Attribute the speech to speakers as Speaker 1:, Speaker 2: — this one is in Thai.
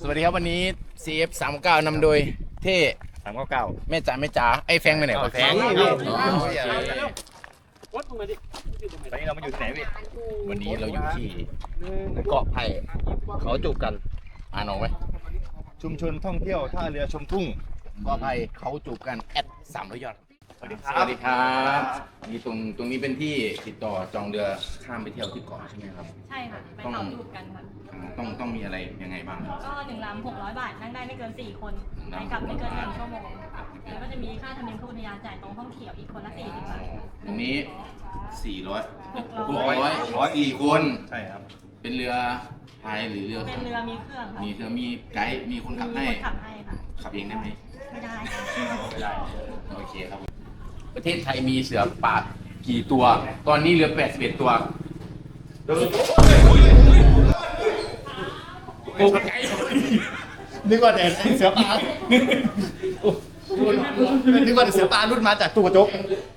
Speaker 1: วัสดีครับวันนี้ CF39 นำโดยเท่
Speaker 2: 399
Speaker 1: แม่จ๋าไอ้แฟงไปไหนวะ
Speaker 2: แฟง
Speaker 1: อ๋อ
Speaker 2: นี่ตอนนี้เรามาอยู่ที่ไหนพี่
Speaker 1: วันนี้เราอยู่ที่
Speaker 2: เกาะไผ่เขาจูบกัน
Speaker 1: อ่านออกไหม
Speaker 2: ชุมชนท่องเที่ยวท่าเรือชมทุ่ง
Speaker 1: ก็ภัยเขาจูบกัน@300ยอด
Speaker 2: สวัสดีค
Speaker 1: ส
Speaker 2: รับ
Speaker 1: วัสดีครับนี่ตรงนี้เป็นที่ติดต่อจองเรือข้ามไปเที่ยวที่เกาะใช่ไหมครับ
Speaker 3: ใช่ค่ะ ไปเขาจูบกันค่ะ
Speaker 1: ต้องมีอะไรยังไงบ้างครับ
Speaker 3: ก็1 ลำ600 บาท นั่งได้ไม่เกิน 4 คนไปกลับไม่เกิน1 ชั่วโมงแล้วก็จะมีค่าธรรมเนียมผู้อุทยานจ่ายตรงห้องเขียวอีกคนละ40 บาท
Speaker 1: ตรงนี้400
Speaker 3: 600
Speaker 1: 4คน
Speaker 2: ใช่ครับ
Speaker 1: เป็นเรือพายหรือเรือ
Speaker 3: เป็นเรือมีเครื่องค่ะ
Speaker 1: มีเรือมีไกด์มีคนขับให้
Speaker 3: มีคนขับให้ค่ะ
Speaker 1: ขับเองได้ไหม
Speaker 3: ไม่ได้ค่ะ
Speaker 2: ไม่ได้
Speaker 1: โอเคครับ ประเทศไทยมีเสือป่ากี่ตัว ตอนนี้เหลือ81ตัวโอ้ไกล
Speaker 2: นึกว่าแต่เสือป่านึกว่าแต่เสือป่ารุ่นมาจากตู้กระจก